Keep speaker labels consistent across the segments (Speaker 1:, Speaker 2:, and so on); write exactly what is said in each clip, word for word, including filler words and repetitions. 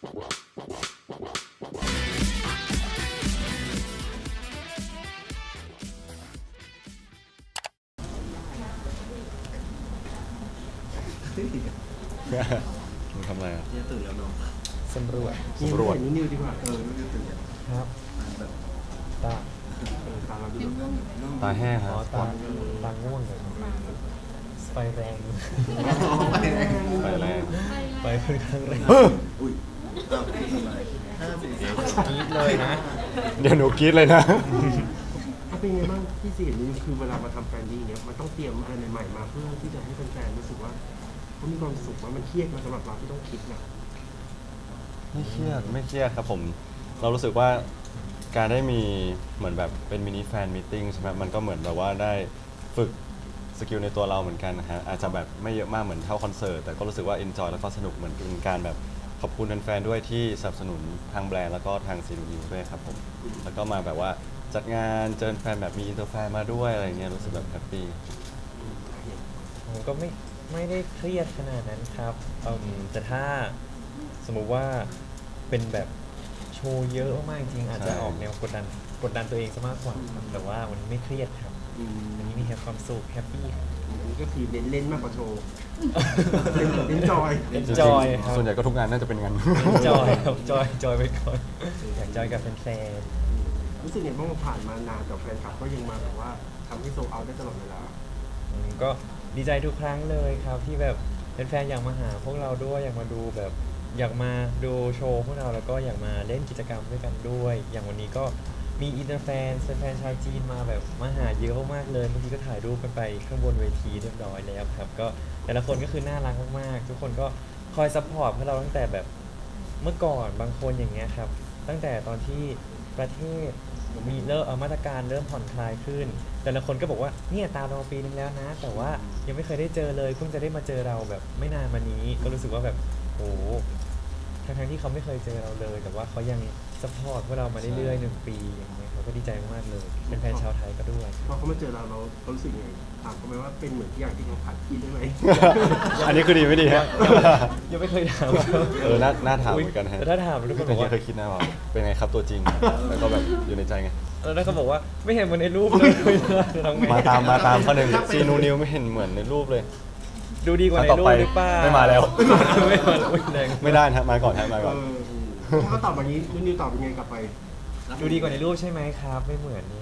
Speaker 1: มึงทำอะไรอ่ะ
Speaker 2: เนี่ยตื่นแล้วเนาะ
Speaker 3: สำรวจ
Speaker 1: สำรวจ
Speaker 2: นิวนิวดีกว่าเออนิวตื่นแล้ว
Speaker 3: ครับ
Speaker 2: แบบ
Speaker 3: ตา
Speaker 2: เออตามเราดู
Speaker 1: ตาแห้งค
Speaker 3: อ๋
Speaker 1: รั
Speaker 3: อบ ตาตาง่วงเลยไฟแรง
Speaker 2: ไปแรง
Speaker 1: ไปแรง
Speaker 3: ไฟค่อนข้างแรง
Speaker 2: อุ้ยอ้าวทำไมห้าสี่สาม
Speaker 3: กรี๊ดเลยนะ
Speaker 1: เดี๋ยวหนูกรี๊ดเลยนะ
Speaker 2: เอาเป็นไงบ้างที่สี่นี้คือเวลามาทำแฟนดี้เนี้ยมันต้องเตรียมอะไรใหม่ๆมาเพื่อที่จะให้แฟนๆรู้สึกว่าเขามีความสุขว่ามันเครียดมาสำหรับเราที่ต้องคิดนะ
Speaker 1: ไม่เครียดไม่เครียดครับผม เรารู้สึกว่าการได้มีเหมือนแบบเป็นมินิแฟนมีตติ้งใช่ไหมมันก็เหมือนแบบว่าได้ฝึกสกิลในตัวเราเหมือนกันนะฮะอาจจะแบบไม่เยอะมากเหมือนเท่าคอนเสิร์ตแต่ก็รู้สึกว่าเอนจอยแล้วก็สนุกเหมือนเป็นการแบบขอบคุณแฟนๆด้วยที่สนับสนุนทางแบรนด์แล้วก็ทางซีนูนิวด้วยครับผมแล้วก็มาแบบว่าจัดงานเจอแฟนแบบมีอินเตอร์แฟนมาด้วยอะไรเงี้ยรู้สึกแบบแฮปปี้
Speaker 3: ผมก็ไม่ไม่ได้เครียดขนาดนั้นครับอืมแต่ถ้าสมมุติว่าเป็นแบบโชว์เยอะมากๆจริงๆอาจจะ
Speaker 1: ใช่
Speaker 3: ออกแนวกดดันกดดันตัวเองซะมากกว่าครับแต่ว่าวันนี้ไม่เครียดครับ
Speaker 2: อืม
Speaker 3: วันนี้มีแค่ความสุขแฮปปี้ครับ
Speaker 2: อันนี้ก็คือเน้นเล่นมากกว่าโชว์เล่นเล่นจอย
Speaker 3: Enjoy ครับ
Speaker 1: ส่วนใหญ่ก็ทุกงานน่าจะเป็นงาน
Speaker 3: จอยครับจอยจอยไปก่อนอยากจอยกับแฟน
Speaker 2: รู้สึกไงบ้างว่าผ่านมานานแต่แฟนคลับก็ยังมาแบบว่าทำให้โซลเอาท์ได้ตลอดเวลา
Speaker 3: ๆอืมก็ดีใจทุกครั้งเลยครับที่แบบแฟนๆอยากมาหาพวกเราด้วยอยากมาดูแบบอยากมาดูโชว์พวกเราแล้วก็อยากมาเล่นกิจกรรมด้วยกันด้วย อย่างวันนี้ก็มีอินเตอร์แฟนแฟนชาวจีนมาแบบมาหาเยอะมากๆเลยบางทีก็ถ่ายรูปกันไปข้างบนเวทีเรียบร้อยแล้วครับก็แต่ละคนก็คือน่ารักมากๆทุกคนก็คอยซัพพอร์ตพวกเราตั้งแต่แบบเมื่อก่อนบางคนอย่างเงี้ยครับตั้งแต่ตอนที่ประเทศมีเริ่มเอ่อมาตรการเริ่มผ่อนคลายขึ้น แต่ละคนก็บอกว่าเนี่ยตามเรามาปีนึงแล้วนะ แต่ว่ายังไม่เคยได้เจอเลยเพิ่งจะได้มาเจอเราแบบไม่นานมานี้ก็รู้สึกว่าแบบโอ้ทั้งๆที่เขาไม่เคยเจอเราเลย แต่ว่าเขายังซัพพอร์ตพวกเรามาเรื่อยๆหนึ่งปีอย่างเงี้ยเขาก็ดีใจมากๆเลย เป็นแฟนชาวไทยก็ด้วย
Speaker 2: พอเขามาเจอเราเราเรารู้สึกยังไงถามเขาไหมว่าเป็นเหมือนที่อย่างที่เขาผัดกินได้ไหม
Speaker 1: อันนี้คือดีไม่ดีฮะ
Speaker 3: ยังไม่เคยถาม
Speaker 1: เออน่าน่าถามเหมือนกันฮะ
Speaker 3: แต่ถ้าถามทุกคนบอกว่า
Speaker 1: เคยคิดนะว่าเป็นไงครับตัวจริง แล้วก็แบบอยู่ในใจไง
Speaker 3: แล้วเขาบอกว่าไม่เห็นเหมือนในรูปเลยจะทำไง
Speaker 1: มาตามมาตามข้อหนึ่งซีนูนิวไม่เห็นเหมือนในรูปเลย
Speaker 3: ดูดีกว่าใน
Speaker 1: ต่อ
Speaker 3: รู
Speaker 1: ไป
Speaker 3: ปหรือเปล่า
Speaker 1: ไม่มาแล้ว
Speaker 3: ไม่มาแล้วอุ๊ยแรง
Speaker 1: ไม่ได้นะฮะมาก่อนฮะมา
Speaker 2: เอ
Speaker 1: ก่อน
Speaker 2: อถ้าเขาตอบแบบนี้นุ่นนิวตอบเป็นไงกลับไป
Speaker 3: ดูดีกว่าในรูปใช่ไหมครับ ไม่เหมือนนี่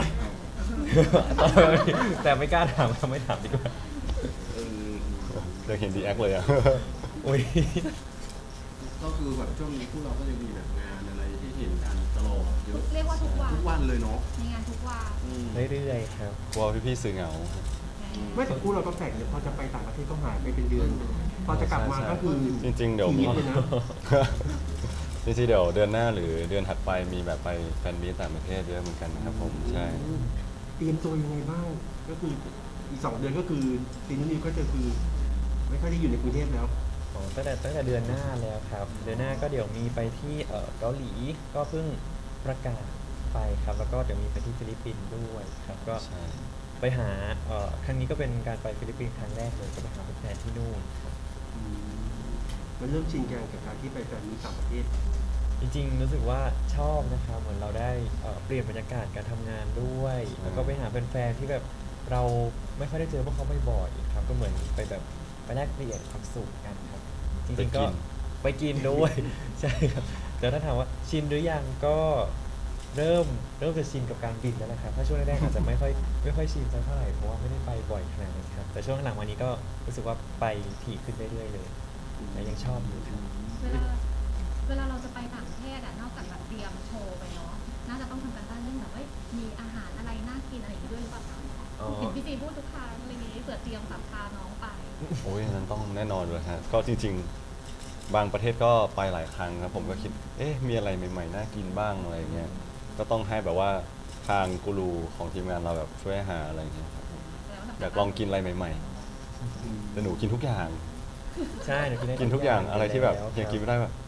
Speaker 3: แต่ไม่กล้าถามทำไม่ถามดีกว่า
Speaker 2: เออ
Speaker 1: เดี๋ยวเห็นดีแอคเลยอ่ะ
Speaker 3: อุ้ย
Speaker 2: ก็คือแบบช่วงนี้พวกเราก็จะมีแบบงานอะไรที่เห็นกันตลอดเยอะ
Speaker 4: เรียกว่าทุกวัน
Speaker 2: ทุกวันเลยเนาะ
Speaker 4: มีงานทุกวัน
Speaker 2: อืม
Speaker 3: เรื่อยๆครับ
Speaker 1: กลัวพี่ๆสื่อเหงา
Speaker 2: ไม่แต่คู่เราก็แปลกเนี่ยพอจะไปต่างประเทศก็หายไปเป็นเดือน พอจะกลับมาก็คือ
Speaker 1: จริงๆเดี๋ยว
Speaker 2: ชีวิตเลยนะ
Speaker 1: จริงๆเดี๋ยวเดือนหน้าหรือเดือนถัดไปมีแบบไปแฟนมีตต่างประเทศเยอะเหมือนกันนะครับผมใช่
Speaker 2: เตรียมตัวยังไงบ้าง ก็คืออีกสองเดือนก็คือซีนุ่นนิวก็จะคือ ไม่ค่อยได้อยู่ในกรุงเทพแล้ว
Speaker 3: อ๋อตั้งแต่ตั้งแต่เดือนหน้าแล้วครับ เดือนหน้าก็เดี๋ยวมีไปที่เอ่อเกาหลีก็เพิ่งประกาศไปครับ แล้วก็เดี๋ยวมีไปที่ฟิลิปปินส์ด้วยครับ ก็
Speaker 1: ใช่
Speaker 3: ไปหาเอ่อครั้งนี้ก็เป็นการไปฟิลิปปินส์ครั้งแรกเลยก็ไปหาแฟนๆที่นู่นครับ
Speaker 2: มันเริ่มชินกันกับการที่ไปแฟนมีตต่างประเทศ
Speaker 3: จริงๆรู้สึกว่าชอบนะครับเหมือนเราได้เอ่อเปลี่ยนบรรยากาศการทำงานด้วย แล้วก็ไปหาแฟนๆที่แบบเราไม่ค่อยได้เจอพวกเขาบ่อยๆครับก็เหมือนไปแบบไปแลกเปลี่ยนความสุขกันครับจริงๆก็ไปกินด้วย ใช่ครับแต่ถ้าถามว่าชินหรือยังก็เริ่มเริ่มจะชินกับการบินแล้วนะครับถ้าช่วงแรกๆอาจจะไม่ค่อยไม่ค่อยชินสักเท่าไหร่เพราะว่าไม่ได้ไปบ่อยขนาดนั้นครับแต่ช่วงหลังวันนี้ก็รู้สึกว่าไปถี่ขึ้นเรื่อยๆเลยแต่ยังชอบอยู่ครับ
Speaker 4: เวลาเวลาเราจะไปต่างประเทศอะนอกจากแบบเตรียมโชว์ไปเนาะ น่าจะต้องทำการบ้านเรื่องแบบว่ามีอาหารอะไรน่ากินอะไรอย่างนี้ด้วยหรือเปล่าคะ
Speaker 3: อ๋อ
Speaker 4: เห็นพี่จีพูดทุกครั้งอะไรนี้เผื่อเตรียมแบบพาน้องไป
Speaker 1: โอ้ยนั้นต้องแน่นอนเลยฮะก็จริงๆ บางประเทศก็ไปหลายครั้งครับผมก็คิด เอ๊ะมีอะไรใหม่ๆน่ากินบ้างอะไรเงี้ยก็ต้องให้แบบว่าทางกูรูของทีมงานเราแบบช่วยหาอะไรเงี้ยครับผมอยากลองกินอะไรใหม่ๆแต่หนูกินทุกอย่าง
Speaker 3: ใช่หนูกินได้
Speaker 1: กินทุกอย่างอะไรที่แบบ
Speaker 3: ล้ว
Speaker 1: ยังกินไม่ได้แบบ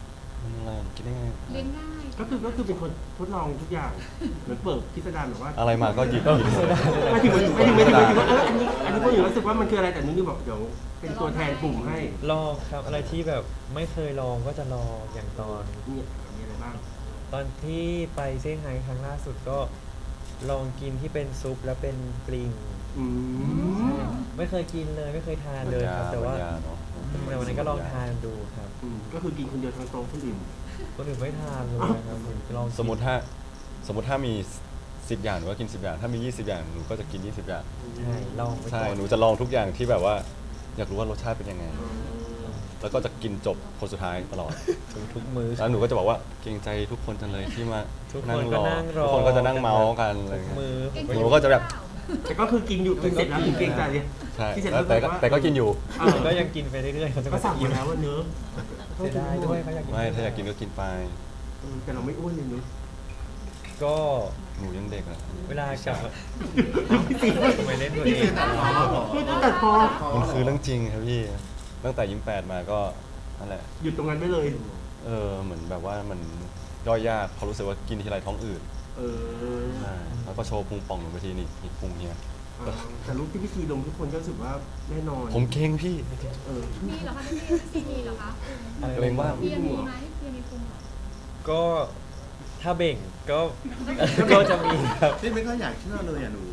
Speaker 1: มันอะไรกินได้ไง
Speaker 4: เลี้ยงง่าย
Speaker 2: ก็คือก็คือเป็นคนทดลองทุกอย่างเหมือนเปิดพิสดารแบบว่า
Speaker 1: อะไรมาก็หยิบกินหมด
Speaker 2: ไม่ถึงไม่ถึงไม่ถึงไม่ถึงว่าเอออันนี้อันนี้พวกอยู่รู้สึกว่ามันคืออะไรแต่นุ่นนี่บอกเดี๋ยวเป็นตัวแทนกลุ่มให้
Speaker 3: ลองครับอะไรที่แบบไม่เคยลองก็จะลองอย่างตอน
Speaker 2: เนี่ยมีอะไรบ้าง
Speaker 3: ตอนที่ไปเซี่ยงไฮ้ครั้งล่าสุดก็ลองกินที่เป็นซุปแล้วเป็นปลิง
Speaker 2: อืม
Speaker 3: ไม่เคยกินเลยไม่เคยทานเลยครับ แต่ว่า
Speaker 1: บรรยเนอะ
Speaker 3: แต่วันนั้นก็ลองทานดูครับ
Speaker 2: อืมก็คือกินคนเดียวทั้งโต๊ะคนอื่น
Speaker 3: คนอื่นไม่ทานเลยนะครับผมลองกิน
Speaker 1: สมมติถ้าสมมติถ้ามีสิบอย่างหนูก็กินสิบอย่าง ถ้ามียี่สิบอย่างหนูก็จะกินยี่สิบอย่าง
Speaker 3: ใช่ลองไป
Speaker 1: ใช่
Speaker 3: ก่อน
Speaker 1: หนูจะลองทุกอย่างที่แบบว่า อยากรู้ว่ารสชาติเป็นยังไง แล้วก็จะกินจบคนสุดท้ายตลอด
Speaker 3: ทุกมื้อ
Speaker 1: แล้วหนูก็จะบอกว่าเกรงใจทุกคนจังเลยที่มา
Speaker 3: ทุกคนก็นั่งรอ
Speaker 1: ทุกคนก็จะนั่งเมาส์กันอะไร
Speaker 3: ทุก
Speaker 1: เงี้ย
Speaker 3: มื้อผม
Speaker 1: หนูก็จะแบบ
Speaker 2: แต่ก็คือกินอยู่กินเสร็จแล้วถึงเกรงใจเนี่ย
Speaker 1: ใช่
Speaker 2: ที่เสร็จ
Speaker 1: แล้วแต่ก็
Speaker 2: ว่า
Speaker 1: แต่ก็กินอยู่
Speaker 2: เออ
Speaker 3: ก็ยังกินไปเรื่อยๆเขาจะ
Speaker 2: ก็
Speaker 3: มา
Speaker 2: สั่ง
Speaker 3: อิ่
Speaker 2: มาม แล้วว่าเนื้อะ
Speaker 3: เสียดายด้วยเขาอยากกิน
Speaker 1: ไม่ถ้าอยากกินก็กินไป
Speaker 2: เออแต่เราไม่อ้วนเลยเนื้อะ
Speaker 3: ก็
Speaker 1: หนูยังเด็กอะ
Speaker 3: เวลากลับมา
Speaker 2: พี่ตี
Speaker 3: ทำไมเล่นตัวเอง
Speaker 2: พี่ตัดพอ
Speaker 1: มันคือเรื่องจริงครับพี่ ตั้งแต่ยิ้มแปดมาก็นั่นแหละ
Speaker 2: หยุดตรงนั้นไปเลย
Speaker 1: เออเหมือนแบบว่ามันย่อยยากเขาะรู้สึกว่ากินทีไรท้องอืด
Speaker 2: เออ
Speaker 1: ใช่แล้วก็โชว์พุงป่องหนูไปทีนี่นี่พุงเฮีย
Speaker 2: เออแต่รูปที่พี่ซีลงทุกคนก็รู้สึกว่าแน่นอน
Speaker 1: ผมเก่งพี่
Speaker 2: เออ
Speaker 4: มีเหรอคะพี่ซีมีเหรอคะ
Speaker 3: อะไร
Speaker 1: เกรงว่า
Speaker 4: เบียร์มีไหมเบียร์มีพุงเหรอ
Speaker 3: ก็ถ้าเบ่งก็ ก็จะมีครับ
Speaker 5: พี่ไม่ค่อยอยากเชื่อเลยอ่ะหนู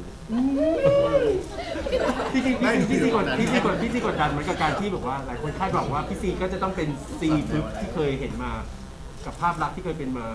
Speaker 2: พี่ซี
Speaker 5: ไม่
Speaker 2: พี่ซีพี่ซีกด
Speaker 5: ไม่
Speaker 2: พี่ซีกดพี่ซีกดดันเหมือนกับการที่แบบว่าหลายคนคาดหวังว่าพี่ซีก็จะต้องเป็นซีทึบที่เคยเห็นมา กับภาพลักษณ์ที่เคยเป็นมา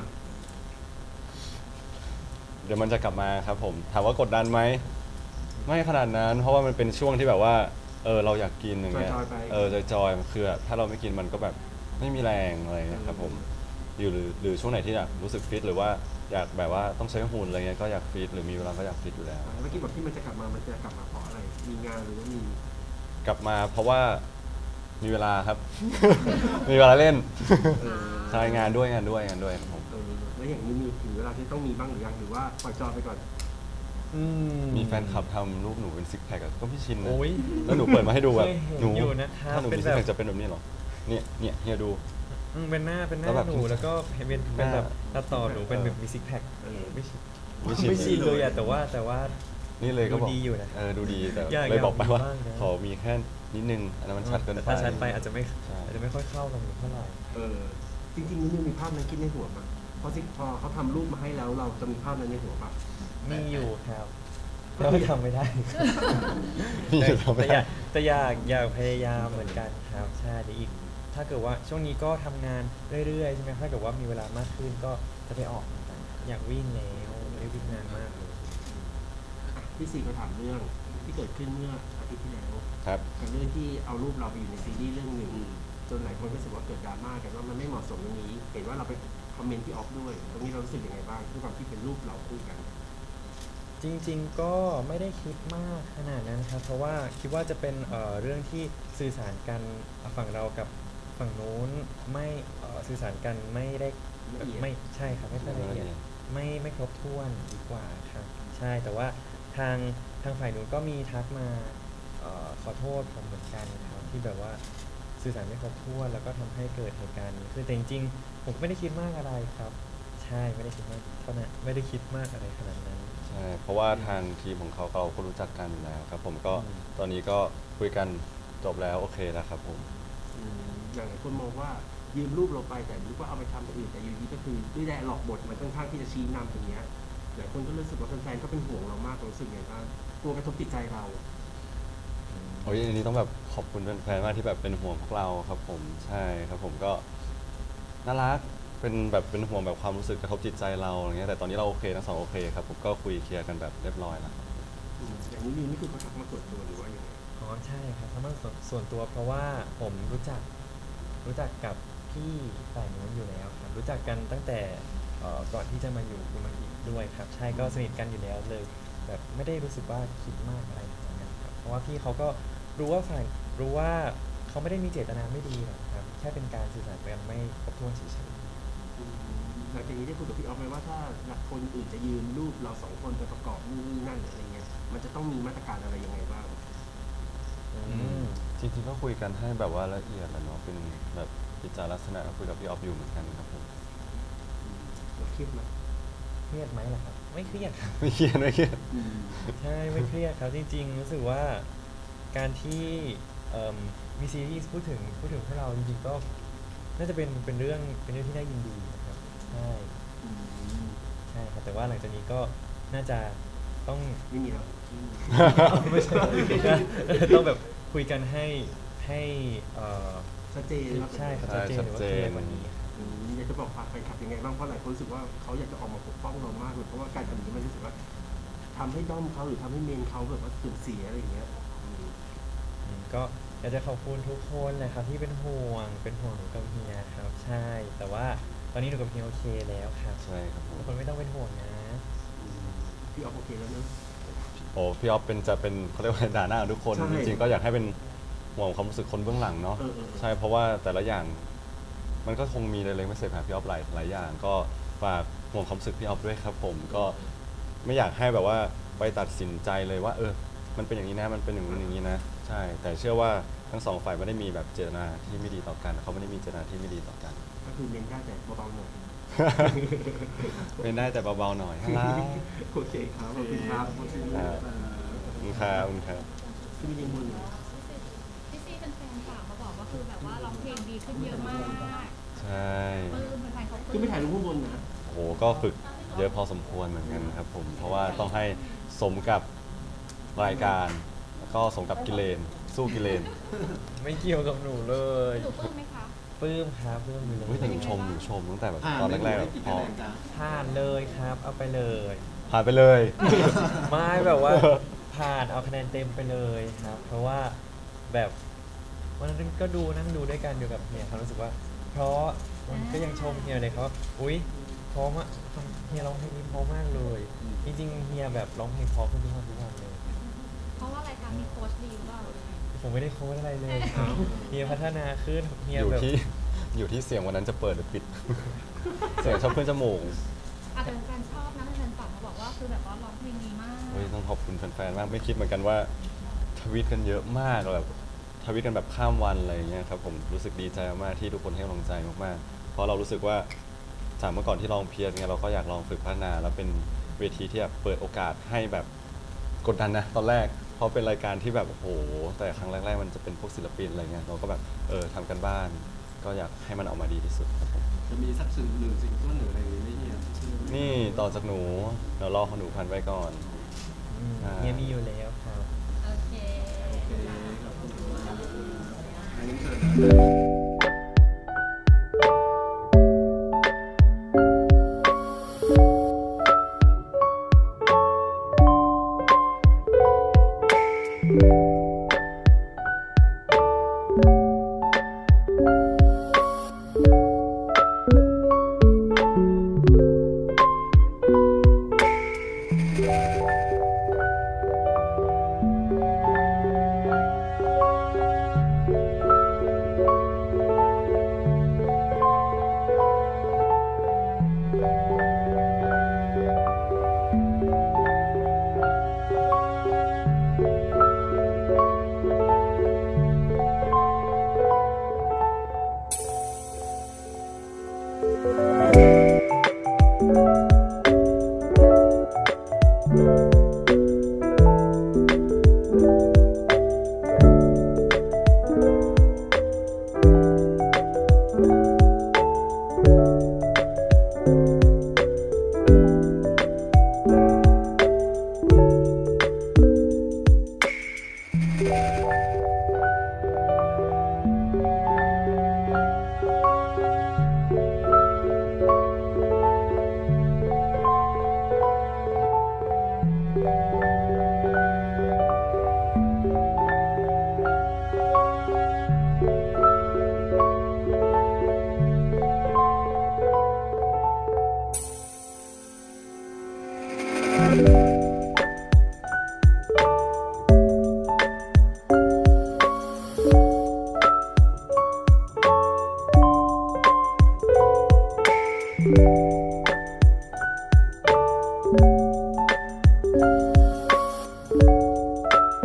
Speaker 1: เดี๋ยวมันจะกลับมาครับผม ถามว่ากดดันไหม ไม่ขนาดนั้น เพราะว่ามันเป็นช่วงที่แบบว่า เออเราอยากกินอย่างเงี้ย
Speaker 2: จอยๆไป
Speaker 1: เออจอยๆคือแบบถ้าเราไม่กินมันก็แบบไม่มีแรงอะไรเงี้ยครับผมอยู่หรือหรือช่วงไหนที่อยากรู้สึกฟิตหรือว่าอยากแบบว่าต้องใช้หุ่นอะไรเงี้ยก็อยากฟิตหรือมีเวลาก็อยากฟิตอยู่แล้ว
Speaker 2: เมื่อกี้บอกที่มันจะกลับมา มันจะกลับมาเพราะอะไร มีงานหรือว่ามี
Speaker 1: กลับมาเพราะว่ามีเวลาครับ มีเวลาเล่น
Speaker 2: เออ
Speaker 1: ใช่งานด้วยงานด้วยงานด้วยครับผม
Speaker 2: เออแล้วอย่างนี้มีถึงเวลาที่ต้องมีบ้างหรือยังหรือว่าปล่อยจอยไปก่อน
Speaker 3: อื
Speaker 1: มีแฟนคลับทำรูปหนูเป็นซิกแพคอะก็ไม่ชินนะ
Speaker 3: โอ้ย
Speaker 1: แล้วหนูเปิดมาให้ดูแบบ
Speaker 3: เคยเห็น
Speaker 1: หนู
Speaker 3: อยู่นะครับ
Speaker 1: ถ้าหนู
Speaker 3: เป็
Speaker 1: มี
Speaker 3: น
Speaker 1: ซิก
Speaker 3: แบบ
Speaker 1: แพคจะเป็นแบบนี้เหรอเนี่ยเนี่ยเฮียดู
Speaker 3: อืมเป็นหน้าเป็นหน้า
Speaker 1: แล้วแบบ
Speaker 3: หนูแล้วก็เป็นเป็นเป็นแบบ
Speaker 1: หน้า
Speaker 3: ตัดต่อหนูเป็น
Speaker 1: เออ
Speaker 3: แบบมีซิกแพค
Speaker 2: เออ
Speaker 3: ไม่ชิน
Speaker 1: ไม่ชิน
Speaker 3: ไม่ชินเลยอะแต่ว่าแต่ว่า
Speaker 1: นี่เลยก็บอก
Speaker 3: ดูดีอยู่นะ
Speaker 1: เออดูดีแต่
Speaker 3: อยาก
Speaker 1: เลยบอกไปว่า
Speaker 3: อยากมีบ้างนะ
Speaker 1: ขอมีแค่นิดนึงอันนั้นมันชัดเกิน
Speaker 3: แต่
Speaker 1: ไป
Speaker 3: ถ้าชัดไปอาจจะไม่
Speaker 1: ใช่
Speaker 3: อาจจะไม่ค่อยเข้ากันเท่าไหร่
Speaker 2: เออ จริงๆนี่มีภาพนั้นคิดในหัวปะเพราะสิพอเขาทำรูปมาให้แล้วเราจะมีภาพนั้นในหัวปะ
Speaker 3: มีอยู่ครับแล้วก็ทำไม่ได้
Speaker 1: นี่
Speaker 3: แต่
Speaker 1: ทำไม่
Speaker 3: แต่อ
Speaker 1: ได้
Speaker 3: ยากแต่อยากอยากพยายามเหมือนกันครับใช่เดี๋ยวอีก ถ้าเกิดว่าช่วงนี้ก็ทำงานเรื่อยๆใช่ไหมถ้าเกิดว่ามีเวลามากขึ้นก็จะไปออกเหมือนกันอยากวิ่งแล้วไม่ได้วิ่งนานมากเลย
Speaker 2: พี่ซีก็ถามเรื่องที่เกิดขึ้นเมื่ออาทิตย์ที่แล้ว
Speaker 1: ครับ
Speaker 2: กับเรื่องที่เอารูปเราไปอยู่ในซีรีส์เรื่องหนึ่งจนหลายคนก็รู้สึกว่าเกิดดราม่ากันว่ามันไม่เหมาะสมตรงนี้ เห็นว่าเราไปคอมเมนต์ที่ออฟด้วย ตรงนี้เรารู้สึกยังไงบ้างด้วยความที่เป็นรูปเราคู่กัน
Speaker 3: จริงๆก็ไม่ได้คิดมากขนาดนั้นครับ เพราะว่าคิดว่าจะเป็นเอ่อเรื่องที่สื่อสารกันฝั่งเรากับฝั่งนู้นไม่เอ่อสื่อสารกันไม่ได้
Speaker 2: ละเอียด
Speaker 3: ไม่ใช่ครับไม่ค่อยละเอียด
Speaker 1: ละเอียด
Speaker 3: ไม่ไม่ครบถ้วนดีกว่าครับใช่แต่ว่าทางทางฝ่ายนู้นก็มีทักมาเออขอโทษผมเหมือนกันครับที่แบบว่าสื่อสารไม่ครบถ้วนแล้วก็ทำให้เกิดเหตุการณ์นี้คือแต่จริงๆผมก็ไม่ได้คิดมากอะไรครับ ใช่ไม่ได้คิดมากเท่านั้นไม่ได้คิดมากอะไรขนาดนั้น
Speaker 1: ใช่เพราะว่าทางทีมของเขาเราก็รู้จักกันอยู่แล้วครับ ผมก็
Speaker 3: อืม
Speaker 1: ตอนนี้ก็คุยกันจบแล้วโอเคแล้วครับผม
Speaker 2: อืมอย่างหลายคนมองว่ายืมรูปเราไปแต่รู้ว่าเอาไปทำอย่างอื่นแต่อยู่ดีก็คือด้วยแรงหลอกบทมันค่อนข้างที่จะชี้นำตรงเนี้ยหลายคนก็รู้สึกว่าแฟนๆก็เป็นห่วงเรามากรู้สึกไงบ้างกลัวกระทบจิตใจเรา
Speaker 1: โอ้ยอันนี้ต้องแบบขอบคุณแฟนๆมากที่แบบเป็นห่วงพวกเราครับผมใช่ครับผมก็น่ารักเป็นแบบเป็นห่วงแบบความรู้สึกกระทบจิตใจเราอย่างเงี้ยแต่ตอนนี้เราโอเคทั้งสองโอเคครับผมก็คุยเคลียร์กันแบบเรียบร้อยแล้ว
Speaker 2: อืมอย่างนี้นี่นี่คือเขาทักมาส่วนตัวหรือว่ายังไง
Speaker 3: อ๋อใช่ครับเพราะมันส่วนส่วนตัวเพราะว่าผมรู้จักรู้จักกับพี่ฝ่ายนู้นอยู่แล้วครับรู้จักกันตั้งแต่เอ่อก่อนที่จะมาอยู่ดูมันอีกด้วยครับใช่ก็สนิทกันอยู่แล้วเลย แบบไม่ได้รู้สึกว่าคิดมากอะไรขนาดนั้นครับเพราะว่าพี่เขาก็รู้ว่าฝ่ายรู้ว่าเขาไม่ได้มีเจตนาไม่ดีหรอกครับแค่เป็นการสื่อสารกันไม่ครบถ้วนเฉย
Speaker 2: อืมหลังจากนี้ได้คุยกับพี่ออฟไหมว่าถ้าหลักคนอื่นจะยืนรูปเราสองคนไปประกอบนู่นนี่นั่นหรืออะไรเงี้ยมันจะต้องมีมาตรการอะไรยังไงบ้าง
Speaker 3: ๆอืม
Speaker 1: จริงๆก็คุยกันให้แบบว่าละเอียดแหละเนาะเป็นแบบกิจลักษณะคุยกับพี่ออฟอยู่เหมือนกันครับผม
Speaker 2: เราเครียดไหม
Speaker 3: เครียดไหมล่ะครับ ไม่เครียดครับ
Speaker 1: ไม่เครียดไม่เครียด
Speaker 2: อืม
Speaker 3: ใช่ไม่เครียดครับจริงๆรู้สึกว่าการที่เอิ่มมีซีรีส์พูดถึงพูดถึงพวกเราจริงๆก็น่าจะเป็นเป็นเรื่องเป็นเรื่องที่น่ายินดีนะครับใช่
Speaker 2: อืม
Speaker 3: ใช่ครับแต่ว่าหลังจากนี้ก็น่าจะต้อง
Speaker 2: ไม่มีแล้ว
Speaker 3: ไม่ใช่ต้องแบบคุยกันให้ให้เอ่อ
Speaker 2: ชัดเจนว่าเป็น
Speaker 3: ใช่ครับ
Speaker 1: ใช่
Speaker 3: ชัดเจนหรือว่า
Speaker 1: ชัดเจ
Speaker 3: เคลีย
Speaker 1: น
Speaker 3: ร์กว่านี้ครับ
Speaker 2: อืมอยากจะบอกฝากแฟนคลับยังไงบ้างเพราะหลายคนรู้สึกว่าเขาอยากจะออกมาปกป้องเรามากเลยเพราะว่าการทำอย่างนี้มันรู้สึกว่าทำให้ด้อมเขาหรือทำให้เมนเขาแบบว่าเสื่อมเสียอะไรอย่างเงี้ยอืม
Speaker 3: อืมก็อยากจะขอบคุณทุกคนเลยครับที่เป็นห่วงเป็นห่วงหนูกับเฮียครับ ใช่ แต่ว่าตอนนี้หนูกับเฮียโอเคแล้วครับ
Speaker 1: ใช่ครับผม
Speaker 3: ทุกคนไม่ต้องเป็นห่วงนะ
Speaker 2: อืมพี่ออฟโอเคแล้วเนอะ
Speaker 1: โอ้พี่ออฟเป็นจะเป็นเขาเรียกว่าด่าหน้าทุกคน
Speaker 2: ใช่
Speaker 1: จริงๆก็อยากให้เป็นห่วงความรู้สึกคนเบื้องหลังเนาะ
Speaker 2: เออเออเออ
Speaker 1: ใช่เพราะว่าแต่ละอย่าง มันก็คงมีเล็กๆไม่เสร็จหาพี่ออฟหลายหลายอย่าง ก็ฝากห่วงความรู้สึกพี่ออฟด้วยครับผมก็ไม่อยากให้แบบว่าไปตัดสินใจเลยว่า เออ มันเป็นอย่างนี้นะมันเป็นอย่างนู้นอย่างนี้นะใช่ แต่เชื่อว่าทั้งสองฝ่ายไม่ได้มีแบบเจตนาที่ไม่ดีต่อกันเขาไม่ได้มีเจตนาที่ไม่ดีต่อกัน
Speaker 2: ก็คือเน้นได้แต่เบาๆหน่อย
Speaker 1: เป็นได้แต่เบาๆหน่อยฮัลโหล
Speaker 2: โอเคครับขอบคุณครับขอบคุณค
Speaker 1: ครั
Speaker 2: รับบ
Speaker 1: ขอบคุณครับขอบคุณครับ
Speaker 2: ที่มียังบุญอยู่
Speaker 4: พี่ซีเป็นแฟนฝากมาบอกว่าคือแบบว่าร้องเพลงดีขึ้นเยอะมาก
Speaker 1: ใช่
Speaker 4: ปลื้มแฟนๆเขาป
Speaker 2: ขึ้
Speaker 4: ลื้
Speaker 2: น
Speaker 4: ม
Speaker 2: ไปถ่ายรูปข้างบนนะ
Speaker 1: โอ้โหก็ฝึกเยอะพอสมควรเหมือนกันครับผม เพราะว่าต้องให้สมกับรายการ แล้วก็สมกับกิเลน สู้กิเลน
Speaker 3: ไม่เกี่ยวกับหนูเลย
Speaker 4: หนูปลื้มไหมคะ
Speaker 3: ปลื้มครับปลื้มอยู่เล
Speaker 1: เฮ้ยแต่หนู
Speaker 3: ย
Speaker 1: ชมหนูชมตั้งแต่แบบตอนแรกๆแบบพอ
Speaker 3: ผ่านเลยครับ เอาไปเลย
Speaker 1: ผ่านไปเลย
Speaker 3: ไม่แบบว่าผ่านเอาคะแนนเต็มไปเลยครับ เพราะว่าแบบวันนั้นก็ดูนั่งดูด้วยกันอยู่กับเฮียเขารู้สึกว่า เพราะมันก็ยังชมเฮียเลยเขาว่าอุ๊ยเพราะมากเฮียร้องเพลงนี้เพราะมากเลย จริงๆเฮียแบบร้องเพลงเพราะขึ้นทุกวันทุกวันเลย
Speaker 4: เพราะว่ารายการมีโค้ชดีหรือเปล่า
Speaker 3: ผมไม่ได้โค้ดอะไรเลยครับเฮียพัฒนาขึ้นเฮีย
Speaker 1: อยู่
Speaker 3: แบบ
Speaker 1: ที่อยู่ที่เสียงวันนั้นจะเปิดหรือปิด เสียงชอบขึ้นจมูก
Speaker 4: อาจจะแฟนชอบนะแฟนฝากมาบอกว่าคือแบบว่าร้องเพลงดีมาก
Speaker 1: เฮ้ยต้องขอบคุณแฟนๆ มากไม่คิดเหมือนกันว่าทวีตกันเยอะมากแบบทวีตกันแบบข้ามวันอะไรอย่างเงี้ยครับผมรู้สึกดีใจมากๆที่ทุกคนให้กำลังใจมากๆ เพราะเรารู้สึกว่าจากเมื่อก่อนที่ลองเพียรเนี่ยเราก็อยากลองฝึกพัฒนา แล้วเป็นเวทีที่แบบเปิดโอกาสให้แบบกดดันนะตอนแรกเพราะเป็นรายการที่แบบโอ้โหแต่ครั้งแรกๆมันจะเป็นพวกศิลปินอะไรเงี้ยเราก็แบบเออทำกันบ้าน ก็อยากให้มันออกมาดีที่สุดครับผม
Speaker 5: จะมีสักสิ่งหนึ่งสิ่งต้นหรืออะไรอย่างนี้ไหมเนี่ย
Speaker 1: นี่ต่อจากหนูเดี๋ยวรอของหนูพันไว้ก่อน
Speaker 3: อืม
Speaker 1: อ่า
Speaker 3: เฮียมีอยู่แล้วครับ
Speaker 4: โอเค
Speaker 5: โอเคขอบคุณมากอันนี้เชิญ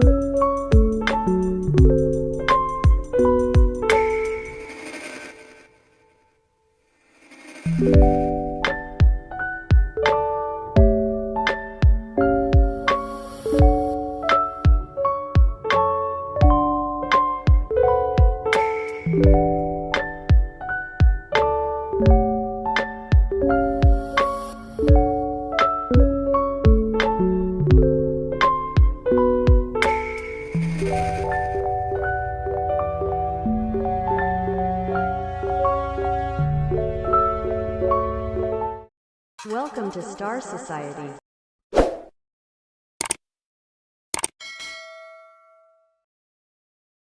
Speaker 2: โ
Speaker 6: Welcome to Star Society.